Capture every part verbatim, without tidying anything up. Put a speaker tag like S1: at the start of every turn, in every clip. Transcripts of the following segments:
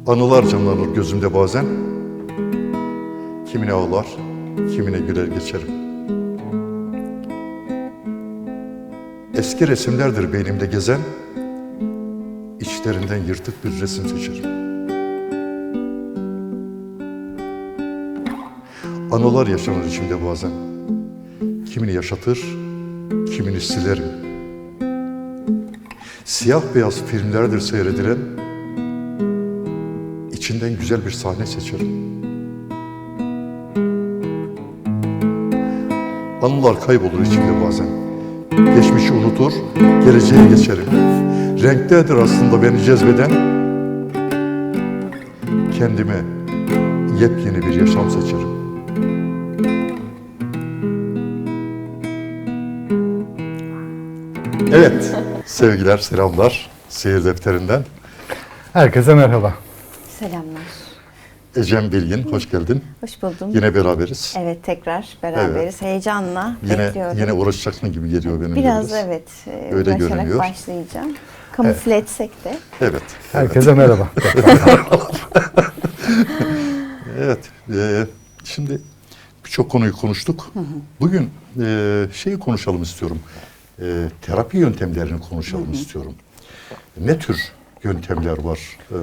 S1: Anılar canlanır gözümde bazen. Kimine ağlar, kimine güler geçerim. Eski resimlerdir beynimde gezen, içlerinden yırtık bir resim seçerim. Anılar yaşanır içimde bazen. Kimini yaşatır, kimini silerim. Siyah beyaz filmlerdir seyredilen, içinden güzel bir sahne seçerim. Anılar kaybolur içimde bazen. Geçmişi unutur, geleceğe geçerim. Renktedir aslında beni cezbeden, kendime yepyeni bir yaşam seçerim. Evet, sevgiler, selamlar Seyir Defterinden.
S2: Herkese merhaba.
S3: Selamlar.
S1: Ecem Bilgin, hoş geldin.
S3: Hoş buldum.
S1: Yine beraberiz.
S3: Evet, tekrar beraberiz. Evet. Heyecanla
S1: yine,
S3: bekliyorum.
S1: Yine uğraşacaksın gibi geliyor benim.
S3: Biraz biraz. Evet,
S1: öyle görünüyor.
S3: Başlayacağım. Kamufle evet. etsek de.
S1: Evet.
S2: Herkese evet. merhaba.
S1: Evet. E, şimdi birçok konuyu konuştuk. Hı hı. Bugün e, şeyi konuşalım istiyorum. E, terapi yöntemlerini konuşalım hı hı. istiyorum. Ne tür yöntemler var e,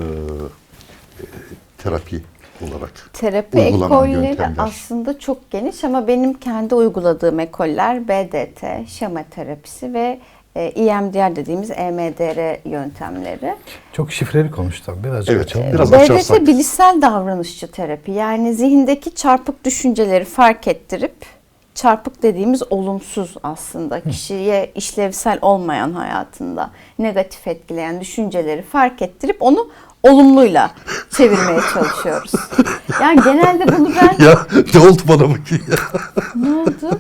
S1: e, terapi olarak?
S3: Terapi ekolleri aslında çok geniş ama benim kendi uyguladığım ekoller B D T, şema terapisi ve e, E M D R dediğimiz E M D R yöntemleri.
S2: Çok şifreli konuştum. Birazcık
S1: evet,
S2: açalım.
S1: Biraz
S3: B D T
S1: açarsak.
S3: bilişsel davranışçı terapi. Yani zihindeki çarpık düşünceleri fark ettirip, çarpık dediğimiz olumsuz aslında kişiye işlevsel olmayan hayatında negatif etkileyen düşünceleri fark ettirip onu olumluyla çevirmeye çalışıyoruz. Yani genelde bunu ben...
S1: Ya ne oldu bana bakayım ya?
S3: Ne oldu?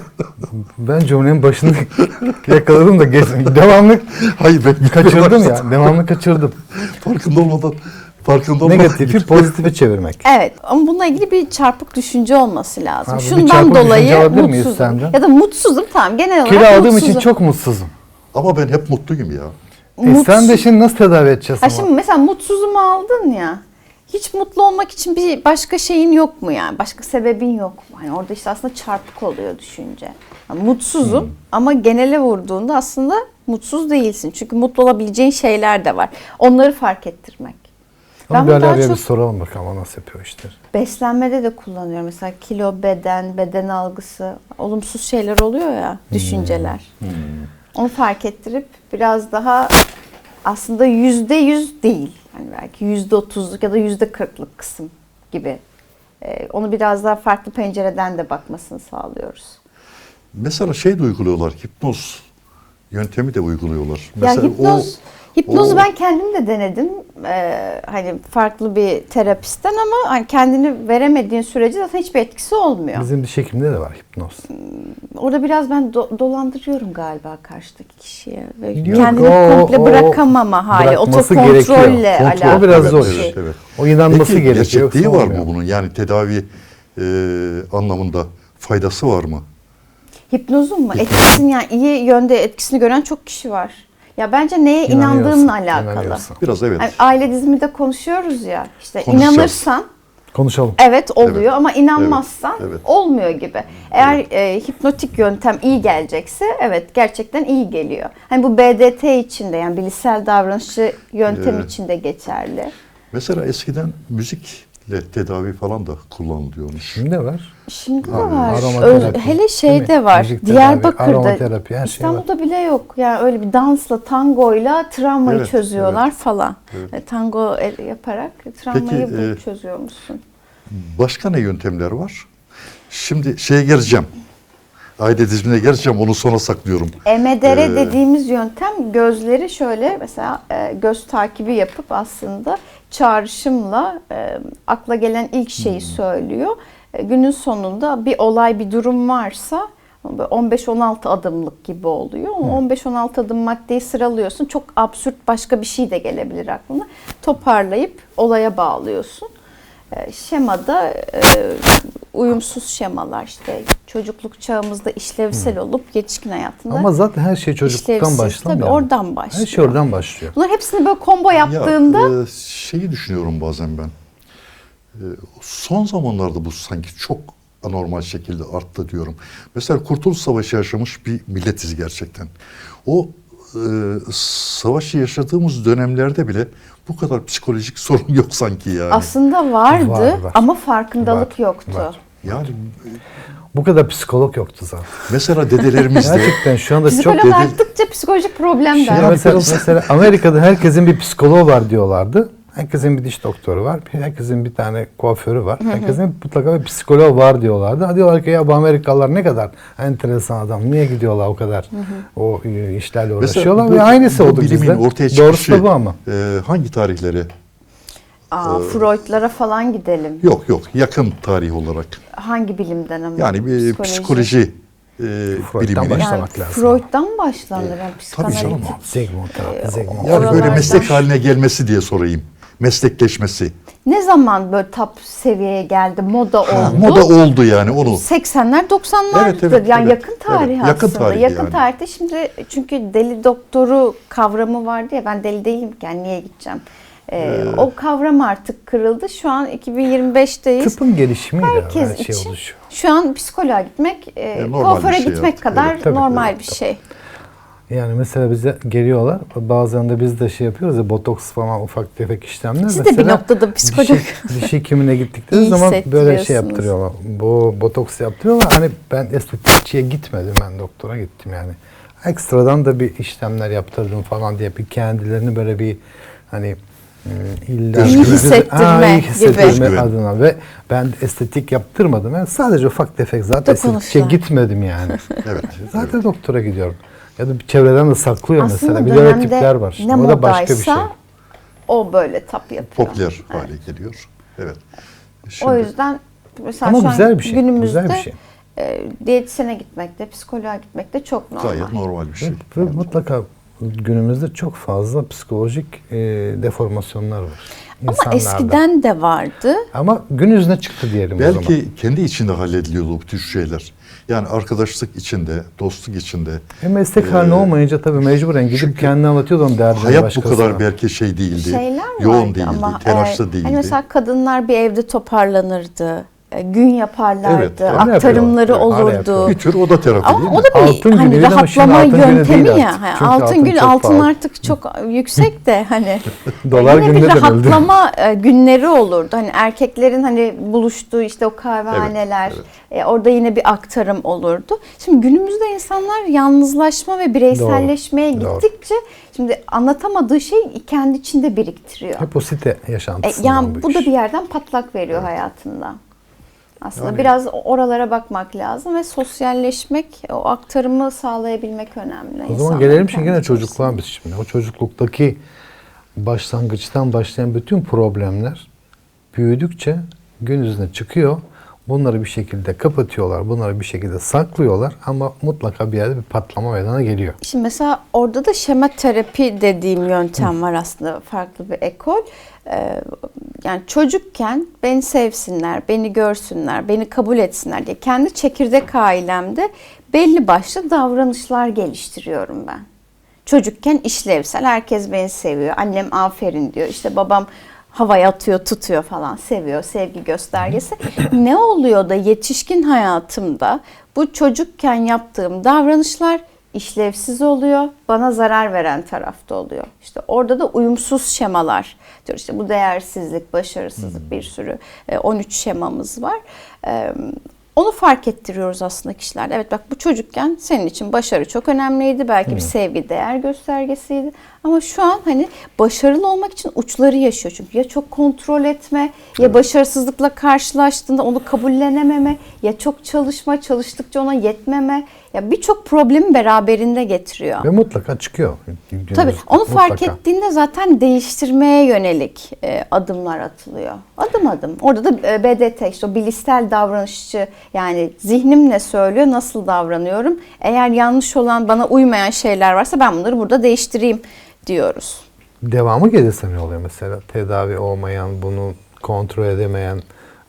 S2: Ben cümlenin başını yakaladım da geçtim. Devamlı
S1: Hayır, ben
S2: kaçırdım ya. Devamlı kaçırdım.
S1: Farkında olmadan. Farkında olmadan.
S2: Negatifi pozitife çevirmek.
S3: Evet ama bununla ilgili bir çarpık düşünce olması lazım.
S2: Abi,
S3: şundan dolayı mutsuzum. Ya da mutsuzum tamam genel olarak
S2: Kilo aldığım
S3: mutsuzum.
S2: için çok mutsuzum.
S1: Ama ben hep mutluyum ya.
S2: E sen de şimdi nasıl tedavi edeceğiz?
S3: Ha şimdi mesela mutsuzumu aldın ya. Hiç mutlu olmak için bir başka şeyin yok mu yani? Başka sebebin yok mu? Hani orada işte aslında çarpık oluyor düşünce. Yani mutsuzum hmm. ama genele vurduğunda aslında mutsuz değilsin. Çünkü mutlu olabileceğin şeyler de var. Onları fark ettirmek.
S2: Ben bir araya bir soralım bakalım o nasıl yapıyor işleri.
S3: Beslenmede de kullanıyorum. Mesela kilo, beden, beden algısı, olumsuz şeyler oluyor ya, düşünceler. Hmm. Hmm. Onu fark ettirip biraz daha aslında yüzde yüz değil. Hani belki yüzde otuzluk ya da yüzde kırklık kısım gibi. Ee, onu biraz daha farklı pencereden de bakmasını sağlıyoruz.
S1: Mesela şey de uyguluyorlar, hipnoz yöntemi de uyguluyorlar.
S3: Ya
S1: Mesela
S3: hipnoz,
S1: o,
S3: hipnozu
S1: o...
S3: ben kendim de denedim. Ee, hani farklı bir terapistten ama hani kendini veremediğin sürece zaten hiçbir etkisi olmuyor.
S2: Bizim diş hekiminde de var hipnoz.
S3: Orada biraz ben do- dolandırıyorum galiba karşıdaki kişiye.
S2: Yok,
S3: kendini
S2: o,
S3: komple
S2: o,
S3: bırakamama hali, otokontrolle alakalı.
S2: O biraz zor.
S3: Bir şey.
S1: Evet, evet.
S2: O inanması
S1: Peki,
S2: gerekiyor.
S1: gerçekliği var mı bunun? Yani tedavi e, anlamında faydası var mı?
S3: Hipnozun mu? Etkisini yani iyi yönde etkisini gören çok kişi var. Ya bence neye inandığınla alakalı.
S1: Biraz evet.
S3: Yani aile diziminde konuşuyoruz ya. İşte inanırsan
S2: konuşalım.
S3: Evet oluyor evet. ama inanmazsan
S1: evet. Evet.
S3: olmuyor gibi. Eğer
S1: evet.
S3: e, hipnotik yöntem iyi gelecekse evet gerçekten iyi geliyor. Hani bu B D T için de yani bilişsel davranışçı yöntem evet. için de geçerli.
S1: Mesela eskiden müzikle tedavi falan da kullanılıyormuş.
S2: Şimdi de var.
S3: Şimdi de var. Öz, hele şeyde var. Müzik Diyarbakır'da, tedavi, İstanbul'da bile yok. Yani öyle bir dansla, tangoyla travmayı evet, çözüyorlar evet. falan. Evet. Tango yaparak travmayı Peki, e, çözüyormuşsun.
S1: Başka ne yöntemler var? Şimdi şeye geleceğim. Aile dizimine geleceğim. Onu sona saklıyorum.
S3: E M D R ee, dediğimiz yöntem gözleri şöyle mesela e, göz takibi yapıp aslında çağrışımla e, akla gelen ilk şeyi hmm. söylüyor. E, günün sonunda bir olay, bir durum varsa on beş on altı adımlık gibi oluyor. Hmm. on beş on altı adım maddeyi sıralıyorsun. Çok absürt başka bir şey de gelebilir aklına. Toparlayıp olaya bağlıyorsun. E, şemada e, uyumsuz şemalar işte çocukluk çağımızda işlevsel olup yetişkin hayatında
S2: Ama zaten her şey çocukluktan
S3: işlevsiz.
S2: başlamıyor.
S3: Tabii oradan başlıyor.
S2: Her şey oradan başlıyor.
S3: Bunlar hepsini böyle combo yaptığında
S1: Ya, e, şeyi düşünüyorum bazen ben. E, son zamanlarda bu sanki çok anormal şekilde arttı diyorum. Mesela Kurtuluş Savaşı yaşamış bir milletiz gerçekten. O e, savaşı yaşadığımız dönemlerde bile bu kadar psikolojik sorun yok sanki yani.
S3: aslında vardı
S2: Var, var.
S3: ama farkındalık
S2: Var,
S3: yoktu.
S2: var.
S1: Yani
S2: Bu kadar psikolog yoktu zaten.
S1: mesela dedelerimiz de
S2: Gerçekten şu anda çok
S3: Psikolog
S1: dedi-
S3: arttıkça psikolojik problem de
S2: Şimdi
S3: arttı.
S2: mesela, mesela Amerika'da herkesin bir psikoloğu var diyorlardı. Herkesin bir diş doktoru var. Herkesin bir tane kuaförü var. Herkesin mutlaka bir psikoloğu var diyorlardı. Ha diyorlar ki ya bu Amerikalılar ne kadar enteresan adam. Niye gidiyorlar o kadar o e, işlerle uğraşıyorlar.
S1: bu-
S2: Ve aynısı
S1: bu
S2: oldu
S1: bilimin
S2: bizde.
S1: ortaya
S2: Doğrusu
S1: çıkışı
S2: da bu ama.
S1: e, hangi tarihleri?
S3: Aa, Freud'lara falan gidelim.
S1: Yok yok, yakın tarih olarak.
S3: Hangi bilimden ama?
S1: Yani bir psikoloji e, bilimini.
S2: başlamak
S3: Yani
S2: lazım.
S3: Freud'dan başlanır. Yani
S1: tabii canım.
S3: psikanalitik.
S2: Sigmund terapi, Sigmund
S1: Yani
S2: terapi.
S1: böyle
S3: Oralardan-
S1: meslek haline gelmesi diye sorayım. Meslekleşmesi.
S3: Ne zaman böyle top seviyeye geldi, moda oldu?
S1: Ha, moda oldu yani onu.
S3: seksenler doksanlardır.
S1: Evet, evet,
S3: yani
S1: evet.
S3: yakın tarih
S1: Evet, yakın
S3: aslında.
S1: tarih
S3: yakın
S1: yani.
S3: tarihte şimdi çünkü deli doktoru kavramı vardı ya, ben deli değilim ki yani niye gideceğim? Ee, o kavram artık kırıldı. Şu an iki bin yirmi beşteyiz.
S2: Tıpın gelişimiyle
S3: Herkes
S2: her şey
S3: için
S2: oluşuyor.
S3: şu an psikoloğa gitmek, e,
S1: E, normal
S3: kuaföre
S1: bir şey
S3: gitmek
S1: artık.
S3: kadar
S1: Evet,
S2: tabii,
S3: normal
S2: evet,
S3: bir
S2: tabii.
S3: şey.
S2: Yani mesela bize geliyorlar. Bazen de biz de şey yapıyoruz ya, botoks falan ufak tefek işlemler.
S3: Siz de bir
S2: Mesela
S3: noktada psikolog.
S2: Diş, diş hekimine gittikleri
S3: İyi
S2: zaman böyle şey
S3: hissettiriyorsunuz.
S2: yaptırıyorlar. Bu botoks yaptırıyorlar. Hani ben estetikçiye gitmedim. Ben doktora gittim yani. Ekstradan da bir işlemler yaptırdım falan diye bir kendilerini böyle bir hani e, illa
S3: İyi hissettirme
S2: Ha, iyi
S3: gibi.
S2: hissettirme
S1: Özgüven.
S2: adına ve ben estetik yaptırmadım. Ben sadece ufak tefek zaten estetikçiye
S3: Dokunuşlar.
S2: gitmedim yani.
S1: Evet.
S2: Zaten doktora gidiyorum. Ya da bir çevreden de saklıyor
S3: Aslında
S2: mesela. Bir de öyle
S3: dönemde
S2: tipler var. Şimdi.
S3: ne
S2: O da başka bir
S3: modaysa
S2: şey.
S3: o böyle tap yapıyor.
S1: Popüler hale geliyor. Evet. Şimdi,
S3: O yüzden mesela
S2: Ama
S3: şu an
S2: güzel bir şey,
S3: günümüzde
S2: güzel bir şey.
S3: e, diyetisyene gitmek de, psikoloğa gitmek de çok normal.
S1: gayet normal bir şey.
S2: Ve mutlaka günümüzde çok fazla psikolojik e, deformasyonlar var.
S3: Ama
S2: insanlarda.
S3: eskiden de vardı.
S2: Ama gün yüzüne çıktı diyelim o zaman.
S1: Belki kendi içinde hallediliyordu bu tür şeyler. Yani arkadaşlık içinde, dostluk içinde.
S2: E meslek haline olmayınca tabii mecburen gidip
S1: çünkü
S2: kendini anlatıyordu onun derdini
S1: Hayat bu
S2: başkasına.
S1: kadar belki şey değildi.
S3: Şeyler
S1: yoğun
S3: vardı
S1: değildi,
S3: ama
S1: telaşlı
S3: e,
S1: değildi.
S3: hani mesela kadınlar bir evde toparlanırdı. e, Gün yaparlardı.
S1: Evet, evet.
S3: Aktarımları
S2: Hala yapıyorlar, hala
S3: olurdu.
S2: yapıyorlar.
S1: bir tür o da terapi değil
S3: Ama
S1: mi?
S3: o da bir
S2: Altın
S3: hani
S2: günüydü ama şimdi
S3: rahatlama
S2: altın günü
S3: yöntemi
S2: değil
S3: ya.
S2: artık.
S3: Yani
S2: Çünkü
S3: altın,
S2: altın
S3: gün
S2: çok
S3: altın
S2: pahalı.
S3: artık çok yüksek de hani
S2: Dolar
S3: yine bir
S2: gününe dönüldü.
S3: rahatlama e, günleri olurdu. Hani erkeklerin hani buluştuğu işte o kahvehaneler,
S1: Evet,
S3: e, orada yine bir aktarım olurdu. Şimdi günümüzde insanlar yalnızlaşma ve bireyselleşmeye
S2: Doğru,
S3: gittikçe şimdi anlatamadığı şeyi kendi içinde biriktiriyor.
S2: Hep o site
S3: E,
S2: yaşantısından
S3: yani bu
S2: iş.
S3: da bir yerden patlak veriyor hayatında. Aslında
S1: Yani-
S3: biraz oralara bakmak lazım ve sosyalleşmek, o aktarımı sağlayabilmek önemli.
S2: O zaman
S3: insanların
S2: gelelim şimdi
S3: kendi
S2: gene
S3: içerisinde.
S2: çocukluğa biz şimdi. O çocukluktaki başlangıçtan başlayan bütün problemler büyüdükçe gün yüzüne çıkıyor. Bunları bir şekilde kapatıyorlar, bunları bir şekilde saklıyorlar ama mutlaka bir yerde bir patlama meydana geliyor.
S3: Şimdi mesela orada da şema terapi dediğim yöntem var aslında, farklı bir ekol. Ee, yani çocukken beni sevsinler, beni görsünler, beni kabul etsinler diye kendi çekirdek ailemde belli başlı davranışlar geliştiriyorum ben. Çocukken işlevsel, herkes beni seviyor, annem aferin diyor, işte babam havaya atıyor, tutuyor falan, seviyor, sevgi göstergesi. Ne oluyor da yetişkin hayatımda bu çocukken yaptığım davranışlar işlevsiz oluyor, bana zarar veren tarafta oluyor. İşte orada da uyumsuz şemalar diyor. İşte bu değersizlik, başarısızlık, bir sürü e, on üç şemamız var. E, Onu fark ettiriyoruz aslında kişilerde. Evet bak, bu çocukken senin için başarı çok önemliydi. Belki bir sevgi, değer göstergesiydi. Ama şu an hani başarılı olmak için uçları yaşıyor. Çünkü ya çok kontrol etme, ya başarısızlıkla karşılaştığında onu kabullenememe, ya çok çalışma, çalıştıkça ona yetmeme. Ya birçok problemi beraberinde getiriyor.
S2: Ve mutlaka çıkıyor. günümüzde.
S3: Tabii onu fark
S2: Mutlaka.
S3: ettiğinde zaten değiştirmeye yönelik e, adımlar atılıyor. Adım adım. Orada da e, B D T, işte o bilişsel davranışçı, yani zihnim ne söylüyor, nasıl davranıyorum. Eğer yanlış olan, bana uymayan şeyler varsa ben bunları burada değiştireyim diyoruz.
S2: Devamı gelirse ne oluyor mesela? Tedavi olmayan, bunu kontrol edemeyen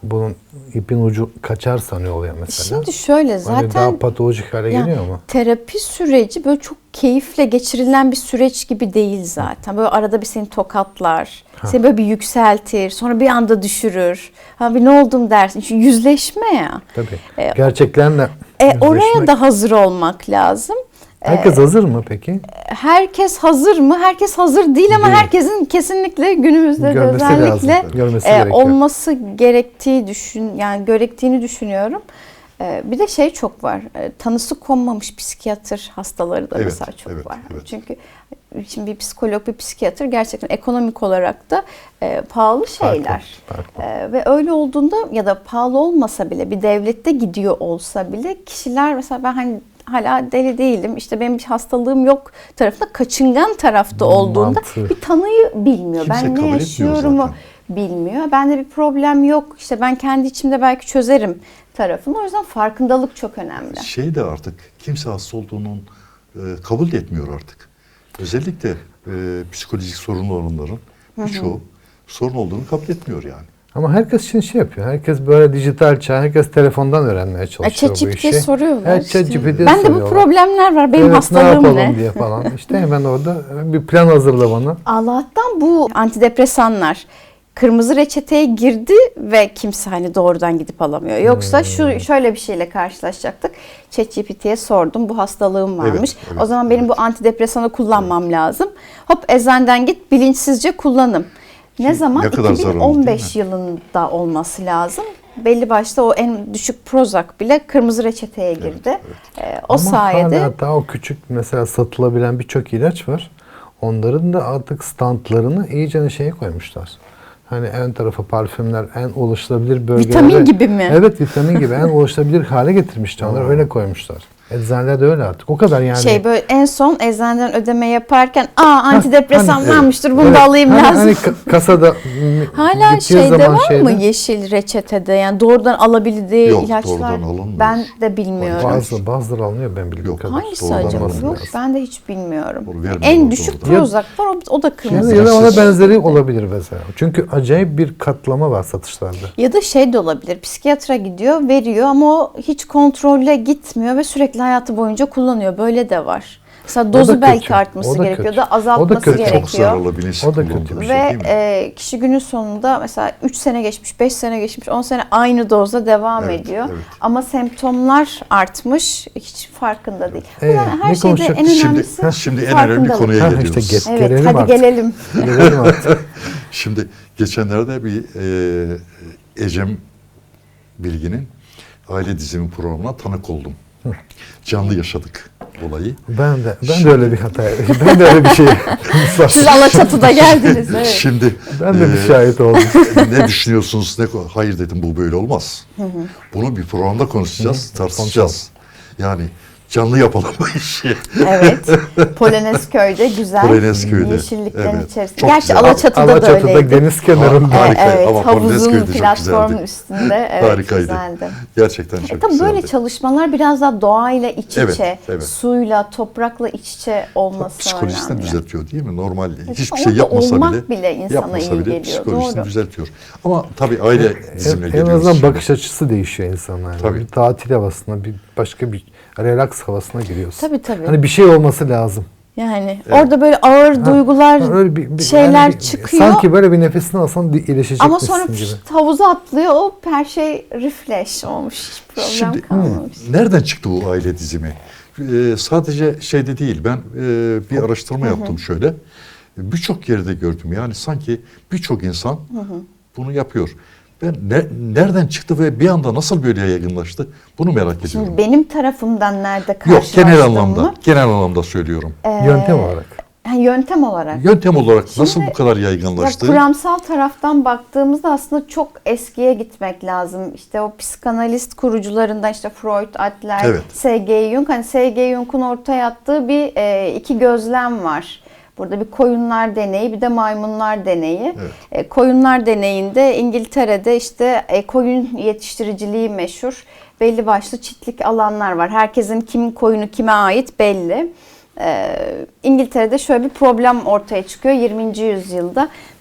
S2: bunun ipin ucu kaçar sanıyor oluyor mesela.
S3: Şimdi şöyle
S2: Hani
S3: zaten
S2: daha patolojik hale
S3: ya,
S2: geliyor mu?
S3: terapi süreci böyle çok keyifle geçirilen bir süreç gibi değil zaten. Böyle arada bir seni tokatlar, seni böyle bir yükseltir, sonra bir anda düşürür. Ha bir ne oldum dersin. Çünkü yüzleşme ya.
S2: Tabii.
S3: E,
S2: Gerçeklerle
S3: E, oraya
S2: yüzleşmek.
S3: da hazır olmak lazım.
S2: Herkes hazır mı peki?
S3: Herkes hazır mı? Herkes hazır değil ama
S2: Değil.
S3: herkesin kesinlikle günümüzde de
S2: Görmesi
S3: özellikle
S2: lazım. Görmesi
S3: e,
S2: gerekiyor.
S3: olması gerektiği düşün yani gerektiğini düşünüyorum. E, bir de şey çok var. E, tanısı konmamış psikiyatr hastaları da
S1: Evet,
S3: mesela çok
S1: evet,
S3: var.
S1: evet.
S3: Çünkü şimdi bir psikolog, bir psikiyatr gerçekten ekonomik olarak da e, pahalı şeyler.
S2: Farklı, farklı.
S3: E, ve öyle olduğunda ya da pahalı olmasa bile bir devlette gidiyor olsa bile kişiler mesela ben hani hala deli değilim işte benim bir hastalığım yok tarafında kaçıngan tarafta olduğunda
S2: Mantığı.
S3: bir tanıyı bilmiyor.
S1: Kimse
S3: ben
S1: kabul
S3: ne
S1: etmiyor
S3: yaşıyorumu
S1: zaten.
S3: bilmiyor. Bende bir problem yok işte ben kendi içimde belki çözerim tarafını. O yüzden farkındalık çok önemli.
S1: Şey de artık kimse hasta olduğunun e, kabul de etmiyor artık. Özellikle e, psikolojik sorunlu olanların birçoğu sorun olduğunu kabul etmiyor yani.
S2: Ama herkes şimdi şey yapıyor. Herkes böyle dijital çağ, herkes telefondan öğrenmeye çalışıyor bu
S3: ChatGPT'ye
S2: işi.
S3: soruyorlar
S2: Evet,
S3: işte.
S2: ChatGPT'ye
S3: Bende bu
S2: soruyorlar.
S3: problemler var. Benim
S2: Evet, ne
S3: hastalığım
S2: yapalım
S3: ne?
S2: diye falan. İşte hemen orada bir plan hazırla bana.
S3: Allah'tan bu antidepresanlar kırmızı reçeteye girdi ve kimse hani doğrudan gidip alamıyor. Yoksa
S2: Hmm.
S3: şu şöyle bir şeyle karşılaşacaktık. ChatGPT'ye sordum bu hastalığım varmış.
S1: Evet, evet,
S3: o zaman benim
S1: evet.
S3: bu antidepresanı kullanmam lazım. Hop eczaneden git bilinçsizce kullanım. Ne zaman?
S1: ne kadar zararlı,
S3: iki bin on beş
S1: değil
S3: yılında olması lazım. Belli başta o en düşük Prozac bile kırmızı reçeteye girdi. Ee, o
S2: Ama
S3: sayede
S2: hala daha o küçük mesela satılabilen birçok ilaç var. Onların da artık standlarını iyice şeye koymuşlar. Hani en tarafa parfümler, en ulaşılabilir bölgelere.
S3: Vitamin gibi mi?
S2: Evet, vitamin gibi en ulaşılabilir hale getirmişler. Onları öyle koymuşlar. Eczaneler de öyle artık. O kadar yani.
S3: şey böyle en son eczaneden ödeme yaparken aa antidepresan
S2: hani,
S3: varmıştır bunu
S2: Evet,
S3: da alayım
S2: hani,
S3: lazım.
S2: Hani ka- kasada
S3: Hala
S2: gittiği
S3: şeyde
S2: zaman
S3: var
S2: şeyde,
S3: mı yeşil reçetede yani doğrudan alabildiği
S1: Yok,
S3: ilaçlar?
S1: doğrudan alınmıyor.
S3: Ben de bilmiyorum.
S2: Bazı, bazıları alınıyor ben bildiğim
S1: Yok.
S2: kadar.
S3: Hangisi
S1: Doğrudan
S3: acaba?
S1: alınmıyor.
S3: Yok ben de hiç bilmiyorum.
S1: Onu vermiyorlar
S3: En düşük
S1: doğrudan.
S3: Prozac var o, o da
S2: Ya
S3: kırmızı.
S2: da, ya da ona
S1: Siz-
S2: benzeri olabilir mesela. Çünkü acayip bir katlama var satışlarda.
S3: Ya da şey de olabilir. Psikiyatra gidiyor, veriyor ama o hiç kontrolle gitmiyor ve sürekli hayatı boyunca kullanıyor. Böyle de var. Mesela
S2: O da
S3: dozu
S2: kötü.
S3: belki artması
S2: O da
S3: gerekiyor
S2: kötü.
S3: da azaltması
S2: O da kötü.
S1: Çok
S3: gerekiyor.
S1: zararlı bilinçli
S2: O da
S1: kullandığı
S2: kötü.
S1: bir şey
S3: Ve
S1: değil mi?
S3: e, kişi günün sonunda mesela üç sene geçmiş, beş sene geçmiş, on sene aynı dozda devam
S1: Evet,
S3: ediyor.
S1: evet.
S3: Ama semptomlar artmış, hiç farkında değil.
S2: Ee,
S3: O yüzden her
S2: ne
S3: şeyde
S2: konuşacak?
S3: en
S1: Şimdi,
S3: önemlisi
S1: şimdi en önemli
S3: farkındalık.
S1: konuya
S2: Ha,
S1: geliyoruz.
S2: işte ge-
S3: Evet,
S2: Gelelim
S3: hadi
S2: artık.
S3: gelelim.
S2: Gelelim artık.
S1: Şimdi geçenlerde bir e, Ecem Bilgin'in aile dizimi programına tanık oldum. Canlı yaşadık olayı.
S2: Ben de ben de öyle bir hata ben de öyle bir şey
S3: Siz Alaçatı'da geldiniz. Evet.
S1: Şimdi
S2: ben de bir
S1: e,
S2: şahit oldum.
S1: ne düşünüyorsunuz? Ne, hayır dedim bu böyle olmaz. Bunu bir programda konuşacağız, tartışacağız. Yani canlı yapalım bu işi.
S3: Evet. Polonezköy'de güzel.
S1: Polonezköy'de,
S3: Yeşilliklerin
S1: evet.
S3: içerisinde.
S1: Çok
S3: Gerçi
S1: güzel.
S3: Alaçatı'da, da
S2: Alaçatı'da
S3: öyleydi.
S2: deniz kenarında.
S1: Harika
S3: Evet, evet,
S1: ama
S3: havuzun
S1: Polonezköy'de çok
S3: platformun
S1: güzeldi.
S3: üstünde. Evet,
S1: Harikaydı.
S3: güzeldi.
S1: Gerçekten çok
S3: E tabii
S1: güzeldi.
S3: böyle çalışmalar biraz daha doğayla iç
S1: Evet,
S3: içe,
S1: evet.
S3: suyla, toprakla iç içe olması
S1: Psikolojisini
S3: önemli.
S1: düzeltiyor değil mi? Normal hiçbir
S3: orada
S1: şey yapmasa
S3: olmak
S1: bile,
S3: bile insana
S1: yapmasa
S3: iyi
S1: bile
S3: geliyor,
S1: psikolojisini
S3: doğru.
S1: düzeltiyor. Ama tabii aile dizimine
S2: En, en
S1: geliyoruz.
S2: azından
S1: şimdi.
S2: bakış açısı değişiyor insanlar.
S1: Tabii.
S2: Bir tatil havasına, bir başka bir relax havasına giriyorsun.
S3: Tabii, tabii.
S2: Hani bir şey olması lazım.
S3: Yani orada böyle ağır duygular,
S2: Ha, öyle bir- bir-
S3: şeyler
S2: yani bir-
S3: çıkıyor.
S2: Sanki böyle bir nefesini alsan di- iyileşecekmişsin
S3: Ama sonra
S2: gibi.
S3: pişt, havuza atlıyor. O her şey refresh olmuş. Hiç problem
S1: Şimdi
S3: kalmamış.
S1: nereden çıktı bu aile dizimi? Ee, sadece şeyde değil. Ben e, bir araştırma yaptım şöyle. Birçok yerde gördüm. Yani sanki birçok insan bunu yapıyor. Ben ne, nereden çıktı ve bir anda nasıl böyle yaygınlaştı? Bunu merak ediyorum.
S3: Şimdi benim tarafımdan nerede
S1: Yok,
S3: karşılaştım
S1: genel anlamda.
S3: mı?
S1: Genel anlamda söylüyorum.
S2: Yöntem olarak.
S3: Yani yöntem olarak.
S1: Yöntem olarak nasıl
S3: Şimdi,
S1: bu kadar
S3: Ya
S1: yaygınlaştı?
S3: kuramsal taraftan baktığımızda aslında çok eskiye gitmek lazım. İşte o psikanalist kurucularından işte Freud, Adler,
S1: Evet.
S3: S G Jung. Hani S G Jung'un ortaya attığı bir e, iki gözlem var. Burada bir koyunlar deneyi, bir de maymunlar deneyi.
S1: Evet.
S3: E, koyunlar deneyinde İngiltere'de işte e, koyun yetiştiriciliği meşhur. Belli başlı çiftlik alanlar var. Herkesin kimin koyunu kime ait belli. Ee, İngiltere'de şöyle bir problem ortaya çıkıyor yirminci yüzyılda.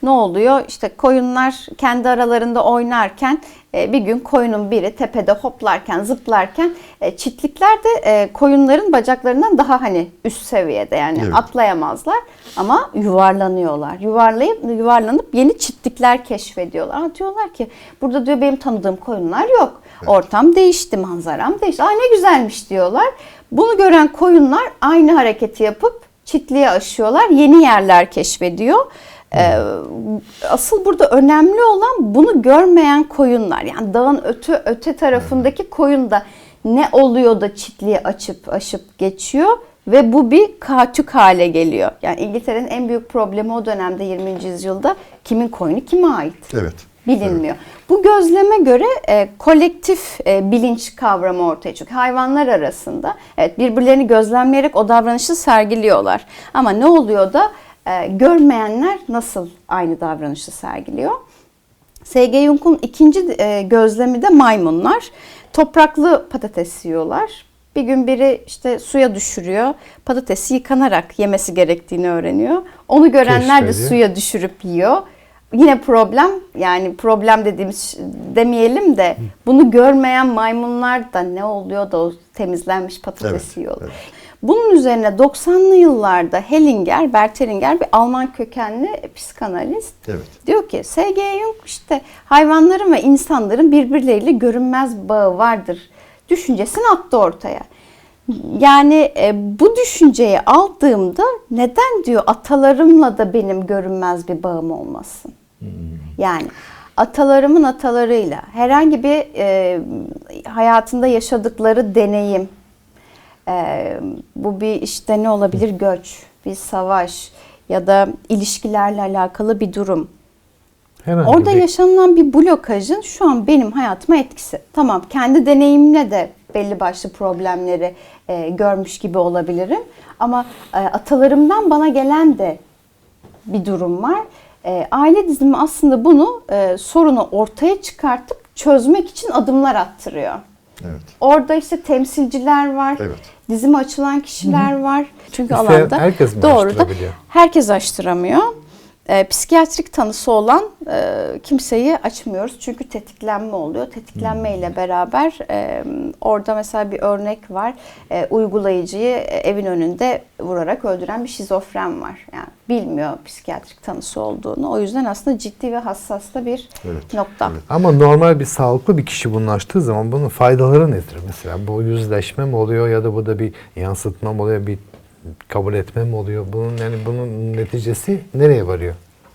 S3: Ne oluyor? İşte koyunlar kendi aralarında oynarken bir gün koyunun biri tepede hoplarken, zıplarken çitlikler de koyunların bacaklarından daha hani üst seviyede, yani
S1: Evet.
S3: atlayamazlar ama yuvarlanıyorlar. Yuvarlayıp yuvarlanıp yeni çitlikler keşfediyorlar. Ama diyorlar ki burada diyor benim tanıdığım koyunlar yok.
S1: Evet.
S3: Ortam değişti, manzaram değişti. Aa ne güzelmiş diyorlar. Bunu gören koyunlar aynı hareketi yapıp çitliğe aşıyorlar. Yeni yerler keşfediyor. Ee, asıl burada önemli olan bunu görmeyen koyunlar. Yani dağın öte öte tarafındaki koyun da ne oluyor da çitliği açıp aşıp geçiyor ve bu bir kaçük hale geliyor. Yani İngiltere'nin en büyük problemi o dönemde yirminci yüzyılda kimin koyunu kime ait?
S1: Evet.
S3: Bilinmiyor. Bu gözleme göre e, kolektif e, bilinç kavramı ortaya çıkıyor. Hayvanlar arasında evet birbirlerini gözlemleyerek o davranışı sergiliyorlar. Ama ne oluyor da e, görmeyenler nasıl aynı davranışı sergiliyor? S G Jung'un ikinci e, gözlemi de maymunlar. Topraklı patates yiyorlar. Bir gün biri işte suya düşürüyor. Patatesi yıkanarak yemesi gerektiğini öğreniyor. Onu görenler de
S2: Keşfediyor.
S3: suya düşürüp yiyor. Yine problem, yani problem dediğimiz demeyelim de bunu görmeyen maymunlar da ne oluyor da o temizlenmiş patatesi
S1: Evet,
S3: yiyorlar.
S1: evet.
S3: Bunun üzerine doksanlı yıllarda Hellinger, Bert Hellinger bir Alman kökenli psikanalist
S1: Evet.
S3: diyor ki S G Jung işte hayvanların ve insanların birbirleriyle görünmez bağı vardır düşüncesini attı ortaya. Yani e, bu düşünceyi aldığımda neden diyor atalarımla da benim görünmez bir bağım olmasın? Hmm. Yani atalarımın atalarıyla herhangi bir e, hayatında yaşadıkları deneyim, e, bu bir işte ne olabilir, göç, bir savaş ya da ilişkilerle alakalı bir durum.
S2: Herhangi
S3: Orada
S2: bir-
S3: yaşanılan bir blokajın şu an benim hayatıma etkisi. Tamam, kendi deneyimle de belli başlı problemleri e, görmüş gibi olabilirim. Ama e, atalarımdan bana gelen de bir durum var. E, aile dizimi aslında bunu e, sorunu ortaya çıkartıp çözmek için adımlar attırıyor.
S1: Evet.
S3: Orada işte temsilciler var.
S1: Evet.
S3: Dizime açılan kişiler var. Çünkü
S2: İsteyen
S3: alanda
S2: herkes mi
S3: doğru da
S2: açtırabiliyor?
S3: herkes açtıramıyor. E, psikiyatrik tanısı olan e, kimseyi açmıyoruz. Çünkü tetiklenme oluyor. Tetiklenme ile beraber e, orada mesela bir örnek var. E, uygulayıcıyı e, evin önünde vurarak öldüren bir şizofren var. Yani bilmiyor psikiyatrik tanısı olduğunu. O yüzden aslında ciddi ve hassas da bir
S1: Evet,
S3: nokta.
S1: evet.
S2: Ama normal bir sağlıklı bir kişi bunu açtığı zaman bunun faydaları nedir? Mesela bu yüzleşme mi oluyor ya da bu da bir yansıtma mı oluyor, bir kabul etme mi oluyor? Bunun yani bunun neticesi nereye varıyor?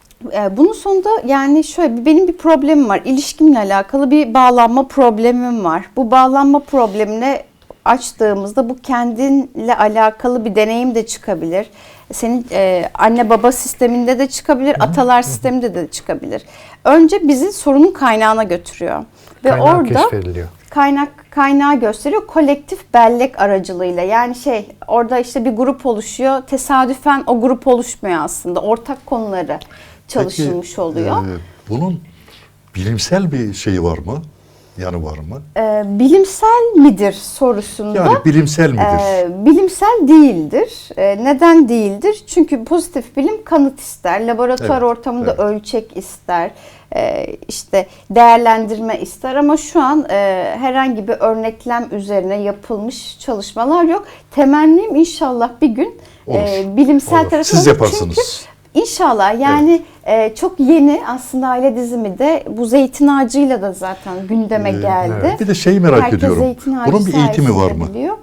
S3: E, bunun sonunda yani şöyle, benim bir problemim var. İlişkimle alakalı bir bağlanma problemim var. Bu bağlanma problemine açtığımızda bu kendinle alakalı bir deneyim de çıkabilir. Senin e, anne baba sisteminde de çıkabilir, atalar sisteminde de çıkabilir. Önce bizi sorunun kaynağına götürüyor. Ve
S2: Kaynağı
S3: orada
S2: keşfediliyor.
S3: kaynak kaynağı gösteriyor kolektif bellek aracılığıyla. Yani şey, orada işte bir grup oluşuyor. Tesadüfen o grup oluşmuyor aslında. Ortak konuları çalışılmış
S1: Peki,
S3: oluyor.
S1: e, bunun bilimsel bir şeyi var mı? Yanı var mı?
S3: Ee, bilimsel midir sorusunda
S1: Yani bilimsel midir?
S3: e, bilimsel değildir. E, neden değildir? Çünkü pozitif bilim kanıt ister, laboratuvar
S1: Evet,
S3: ortamında
S1: evet.
S3: ölçek ister, e, işte değerlendirme ister ama şu an e, herhangi bir örneklem üzerine yapılmış çalışmalar yok. Temennim inşallah bir gün
S1: Olur,
S3: e, bilimsel
S1: olur.
S3: tarafı
S1: Siz
S3: olur.
S1: yaparsınız.
S3: Çünkü İnşallah yani e, çok yeni aslında aile dizimi de bu zeytin ağacıyla da zaten gündeme
S1: Ee,
S3: geldi.
S2: evet.
S1: Bir de şeyi merak
S3: Herkes
S1: ediyorum.
S3: zeytin ağacı
S1: Bunun bir eğitimi var
S3: sayesinde
S1: mı?
S3: biliyor.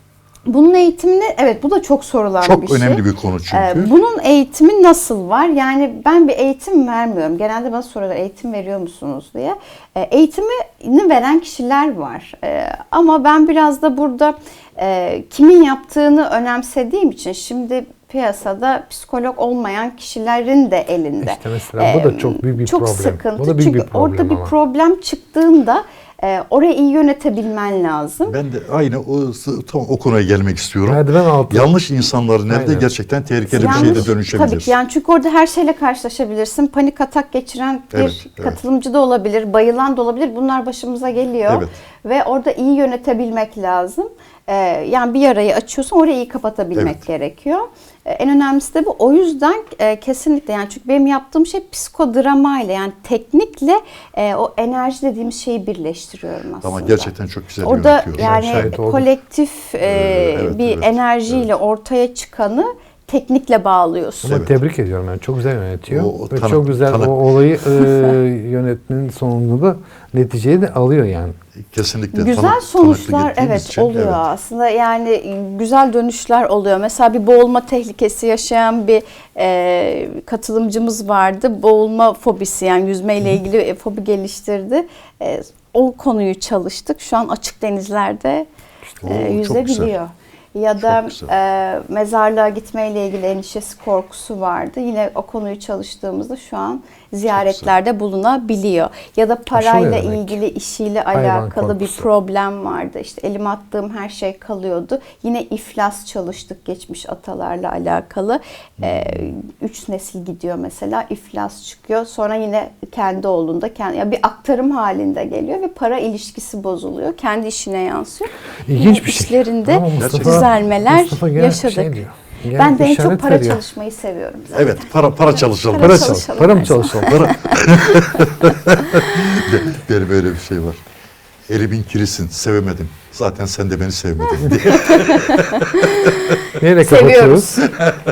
S3: Bunun eğitimini, evet bu da çok sorulan
S1: Çok
S3: bir şey.
S1: önemli bir konu çünkü.
S3: Ee, bunun eğitimi nasıl var? Yani ben bir eğitim vermiyorum. Genelde bana soruyorlar eğitim veriyor musunuz diye. Ee, eğitimini veren kişiler var. Ee, ama ben biraz da burada e, kimin yaptığını önemsediğim için şimdi piyasada psikolog olmayan kişilerin de elinde.
S2: İşte mesela bu da çok büyük bir
S3: çok
S2: problem.
S3: sıkıntı.
S2: Bu da büyük
S3: Çünkü
S2: bir problem
S3: orada bir
S2: ama.
S3: problem çıktığında e, orayı iyi yönetebilmen lazım.
S1: Ben de aynı o, tam o konuya gelmek istiyorum.
S2: Merdiven altı.
S1: Yanlış insanların elinde
S2: Aynen.
S1: gerçekten tehlikeli bir
S3: Yanlış,
S1: şeye de dönüşebilir.
S3: Tabii ki yani çünkü orada her şeyle karşılaşabilirsin. Panik atak geçiren bir
S1: Evet, evet.
S3: katılımcı da olabilir, bayılan da olabilir. Bunlar başımıza geliyor.
S1: Evet.
S3: ve orada iyi yönetebilmek lazım. Ee, yani bir yarayı açıyorsun, orayı iyi kapatabilmek
S1: Evet.
S3: gerekiyor. Ee, en önemlisi de bu. O yüzden e, kesinlikle, yani çünkü benim yaptığım şey psikodrama ile, yani teknikle e, o enerji dediğimiz şeyi birleştiriyorum aslında.
S1: Ama gerçekten çok güzel
S3: Orada
S1: yönetiyor.
S3: yani
S2: şahit oldum.
S3: kolektif e,
S1: evet,
S3: bir
S1: evet,
S3: enerjiyle
S1: evet.
S3: ortaya çıkanı teknikle bağlıyorsun.
S2: Ama
S1: Evet.
S2: tebrik ediyorum yani çok güzel yönetiyor.
S1: O- o
S2: Ve
S1: tanı-
S2: çok güzel
S1: tanı-
S2: o olayı e, yönetmenin sonunda da neticeyi de alıyor yani.
S1: Kesinlikle
S3: Güzel
S1: tanık-
S3: sonuçlar
S1: tanıklık ettiğimiz
S3: evet
S1: için,
S3: oluyor
S1: evet.
S3: aslında, yani güzel dönüşler oluyor. Mesela bir boğulma tehlikesi yaşayan bir e, katılımcımız vardı. Boğulma fobisi, yani yüzmeyle ilgili e, fobi geliştirdi. E, o konuyu çalıştık. Şu an açık denizlerde
S1: İşte
S3: e,
S1: o çok
S3: yüzebiliyor.
S1: güzel.
S3: Ya da
S1: Çok güzel.
S3: e, mezarlığa gitmeyle ilgili endişesi, korkusu vardı. Yine o konuyu çalıştığımızda şu an ziyaretlerde bulunabiliyor. Ya da parayla
S2: demek?
S3: ilgili işiyle
S2: Hayvan
S3: alakalı bir
S2: korkusu.
S3: problem vardı. İşte elime attığım her şey kalıyordu. Yine iflas çalıştık geçmiş atalarla alakalı. E, üç nesil gidiyor mesela, iflas çıkıyor. Sonra yine kendi oğlunda kendi, ya bir aktarım halinde geliyor ve para ilişkisi bozuluyor. Kendi işine yansıyor.
S2: İlginç
S3: Yine
S2: bir şey.
S3: işlerinde
S2: Ama Mustafa-
S3: düzelmeler
S2: Mustafa gene
S3: yaşadık.
S2: şey diyor. Gene
S3: Ben de en
S2: işaret
S3: çok para
S2: veriyor.
S3: çalışmayı seviyorum zaten.
S1: Evet, para para çalışalım.
S3: Para
S2: Para
S3: çalışalım
S2: çalış. Para mı
S3: her zaman.
S2: çalışalım?
S1: Para. Benim öyle bir şey var. Elimin kirisin, sevemedim. Zaten sen de beni sevmedin diye.
S2: Neyle kapatıyoruz?
S3: Seviyoruz.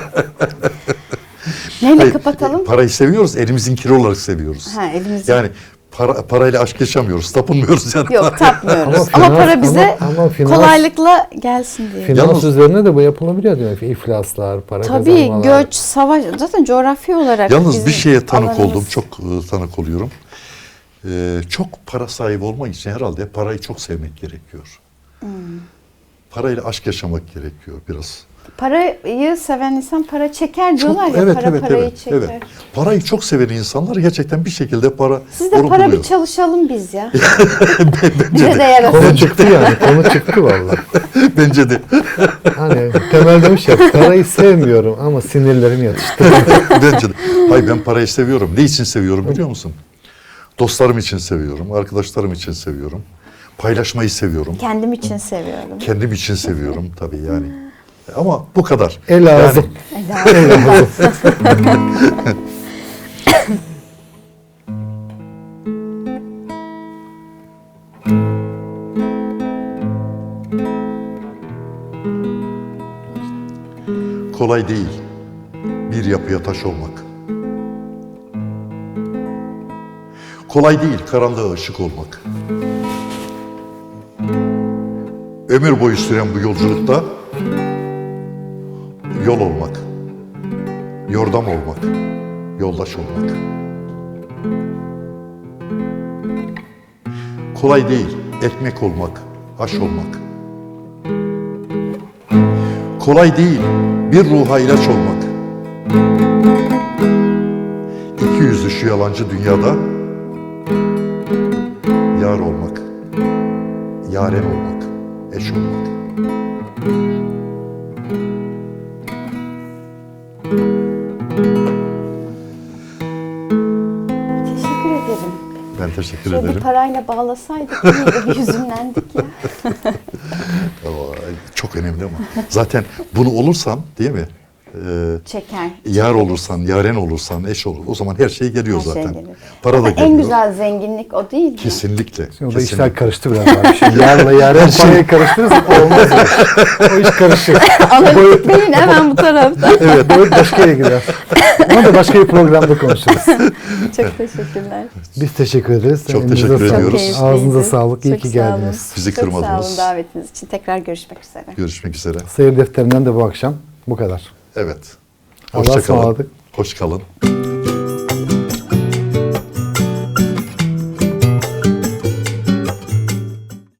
S3: Neyle
S1: Hayır,
S3: kapatalım?
S1: e, Parayı seviyoruz, elimizin kiri olarak seviyoruz.
S3: Ha, elimizin-
S1: Yani para, parayla aşk yaşamıyoruz, tapınmıyoruz yani.
S3: Yok, tapmıyoruz.
S2: Ama
S3: Ama,
S2: finans-
S3: para bize
S2: ama- ama finans-
S3: kolaylıkla gelsin diye.
S2: Finans
S1: Yalnız-
S2: üzerine de bu yapılabiliyor demek ki. İflaslar, para
S3: Tabii
S2: kazanmalar.
S3: göç, savaş, zaten coğrafi olarak
S1: Yalnız
S3: bizim
S1: bir şeye tanık
S3: alanımız.
S1: oldum, çok e, tanık oluyorum. Ee, çok para sahibi olmak için herhalde parayı çok sevmek gerekiyor.
S3: Hmm.
S1: Parayla aşk yaşamak gerekiyor biraz.
S3: Parayı seven insan para çeker
S1: Çok,
S3: diyorlar ya,
S1: evet,
S3: para
S1: evet,
S3: parayı
S1: evet,
S3: çeker.
S1: evet. Parayı çok seven insanlar gerçekten bir şekilde para
S3: Siz de para
S1: buluyor.
S3: bir çalışalım biz ya. Bize de
S2: Konu
S3: yarasın.
S2: çıktı yani. Konu çıktı vallahi.
S1: Bence de.
S2: Hani Temel demiş ya, parayı sevmiyorum ama sinirlerim yatıştı.
S1: Bence de. Hayır, ben parayı seviyorum. Ne için seviyorum biliyor musun? Dostlarım için seviyorum, arkadaşlarım için seviyorum. Paylaşmayı seviyorum.
S3: Kendim için seviyorum.
S1: Kendim için seviyorum tabii yani. Ama bu kadar.
S2: El ağzım. El ağzım.
S1: Kolay değil bir yapıya taş olmak. Kolay değil karanlığa ışık olmak. Ömür boyu süren bu yolculukta yol olmak, yordam olmak, yoldaş olmak. Kolay değil ekmek olmak, aş olmak. Kolay değil bir ruha ilaç olmak. İki yüzlü şu yalancı dünyada yar olmak, yaren olmak, eş olmak.
S3: Teşekkür ederim.
S1: Ben teşekkür
S3: Şöyle bir
S1: ederim.
S3: parayla bağlasaydık iyiydi, bir hüzünlendik ya.
S1: Ama çok önemli ama. Zaten bunu olursan değil mi? Ee,
S3: Çeker.
S1: yar olursan, yaren olursan, eş olur. O zaman her şey geliyor
S3: Her şey
S1: zaten.
S3: gelir.
S1: Para da
S3: Zaten
S1: geliyor.
S3: en güzel zenginlik o değil mi?
S1: Kesinlikle.
S2: Şimdi o da
S1: kesinlikle.
S2: işler karıştı biraz abi. Şimdi yarla yaren parayı karıştırırsak olmaz. O iş karışık.
S3: Analitik beyin hemen bu tarafta.
S2: Evet, boyut başka yere gider. Onu da başka bir programda konuşuruz.
S3: Çok teşekkürler.
S2: Biz teşekkür ederiz.
S1: Çok
S2: Elinize
S1: teşekkür
S2: sağlık.
S1: ediyoruz.
S3: keyifliydi.
S2: Ağzınıza sağlık. İyi
S3: Çok
S2: ki
S3: sağ olun.
S2: geldiniz.
S1: Bizi
S3: Çok sağ
S1: kırmadınız.
S3: olun davetiniz için. Tekrar görüşmek üzere.
S1: Görüşmek üzere.
S2: Seyir defterinden de bu akşam bu kadar.
S1: Evet.
S2: Allah'a
S1: Hoşça kalın.
S2: ısmarladık.
S1: Hoş kalın.